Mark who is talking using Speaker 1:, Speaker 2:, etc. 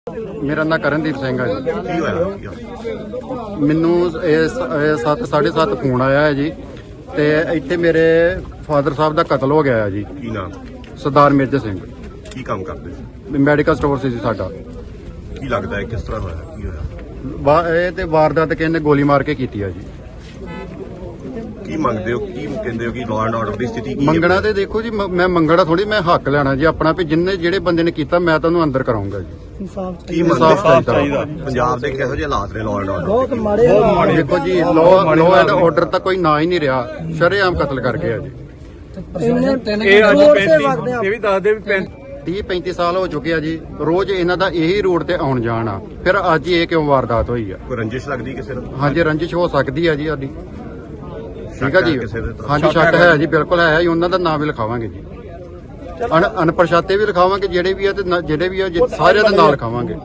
Speaker 1: ਮੇਰਾ ਨਾਂ ਕਰਨਦੀਪ ਸਿੰਘ ਹੈ ਜੀ।
Speaker 2: ਕੀ ਹੋਇਆ?
Speaker 1: ਮੈਨੂੰ 7:30 ਫੋਨ ਆਇਆ ਹੈ ਜੀ ਤੇ ਇੱਥੇ ਮੇਰੇ ਫਾਦਰ ਸਾਹਿਬ ਦਾ ਕਤਲ ਹੋ ਗਿਆ ਹੈ ਜੀ।
Speaker 2: ਕੀ ਨਾਮ?
Speaker 1: ਸਰਦਾਰ ਮੇਜਰ ਸਿੰਘ।
Speaker 2: ਕੀ ਕੰਮ ਕਰਦੇ ਸੀ?
Speaker 1: ਮੈਡੀਕਲ ਸਟੋਰ ਸੀ ਜੀ ਸਾਡਾ।
Speaker 2: ਕੀ ਲੱਗਦਾ ਹੈ ਕਿਸ ਤਰ੍ਹਾਂ ਹੋਇਆ? ਕੀ ਹੋਇਆ?
Speaker 1: ਇਹ ਤੇ ਵਾਰਦਾਤ ਕਿਸੇ ਨੇ ਗੋਲੀ ਮਾਰ ਕੇ ਕੀਤੀ ਆ ਜੀ।
Speaker 2: ਕੀ ਮੰਗਦੇ ਹੋ? ਕੀ ਕਹਿੰਦੇ ਹੋ ਕਿ ਲਾਅ ਐਂਡ ਆਰਡਰ ਦੀ ਸਥਿਤੀ ਕੀ ਹੈ?
Speaker 1: ਮੰਗਣਾ ਤੇ ਦੇਖੋ ਜੀ, ਮੈਂ ਮੰਗਣਾ ਥੋੜੀ, ਮੈਂ ਹੱਕ ਲੈਣਾ ਜੀ ਆਪਣਾ ਵੀ ਜਿਹੜੇ ਬੰਦੇ ਨੇ ਕੀਤਾ ਮੈਂ ਤੁਹਾਨੂੰ ਅੰਦਰ ਕਰਾਉਂਗਾ ਜੀ।
Speaker 2: ਕੀ
Speaker 1: ਇਨਸਾਫ਼ ਚਾਹੀਦਾ।
Speaker 2: ਪੰਜਾਬ ਦੇ ਕਿਹੋ ਜਿਹੇ ਹਾਲਾਤ ਨੇ ਲਾਅ ਐਂਡ ਆਰਡਰ?
Speaker 3: ਬਹੁਤ ਮਾੜੇ
Speaker 1: ਦੇਖੋ ਜੀ, ਲਾਅ ਐਂਡ ਆਰਡਰ ਤਾਂ ਕੋਈ ਨਾ ਹੀ ਨਹੀਂ ਰਿਹਾ। ਸ਼ਰੇਆਮ ਕਤਲ ਕਰ ਗਿਆ ਜੀ।
Speaker 3: ਇਹ ਅੱਜ 35
Speaker 4: ਇਹ ਵੀ ਦੱਸਦੇ ਵੀ
Speaker 1: 30-35 ਸਾਲ ਹੋ ਚੁੱਕੇ ਆ ਜੀ। ਰੋਜ਼ ਇਹਨਾਂ ਦਾ ਇਹੀ ਰੋਡ ਤੇ ਆਉਣ ਜਾਣ ਆ, ਫਿਰ ਅੱਜ ਇਹ ਕਿਉਂ ਵਾਰਦਾਤ ਹੋਈ ਆ?
Speaker 2: ਕੋਈ ਰੰਜਿਸ਼ ਲੱਗਦੀ ਕਿਸੇ ਨੂੰ?
Speaker 1: ਹਾਂਜੀ, ਰੰਜਿਸ਼ ਹੋ ਸਕਦੀ ਆ ਜੀ ਸਾਡੀ। ਠੀਕ ਆ ਜੀ।
Speaker 2: ਕਿਸੇ ਦੇ ਤਰਫ?
Speaker 1: ਹਾਂਜੀ, ਸ਼ੱਕ ਹੈ ਜੀ, ਬਿਲਕੁਲ ਹੈ ਜੀ। ਉਹਨਾਂ ਦਾ ਨਾਮ ਵੀ ਲਿਖਾਵਾਂਗੇ ਜੀ, ਅਣਪਛਾਤੇ ਵੀ ਲਿਖਾਵਾਂਗੇ ਜਿਹੜੇ ਵੀ ਆ ਤੇ ਜਿਹੜੇ ਵੀ ਆ ਸਾਰਿਆਂ ਦਾ ਨਾਮ ਲਿਖਾਵਾਂਗੇ।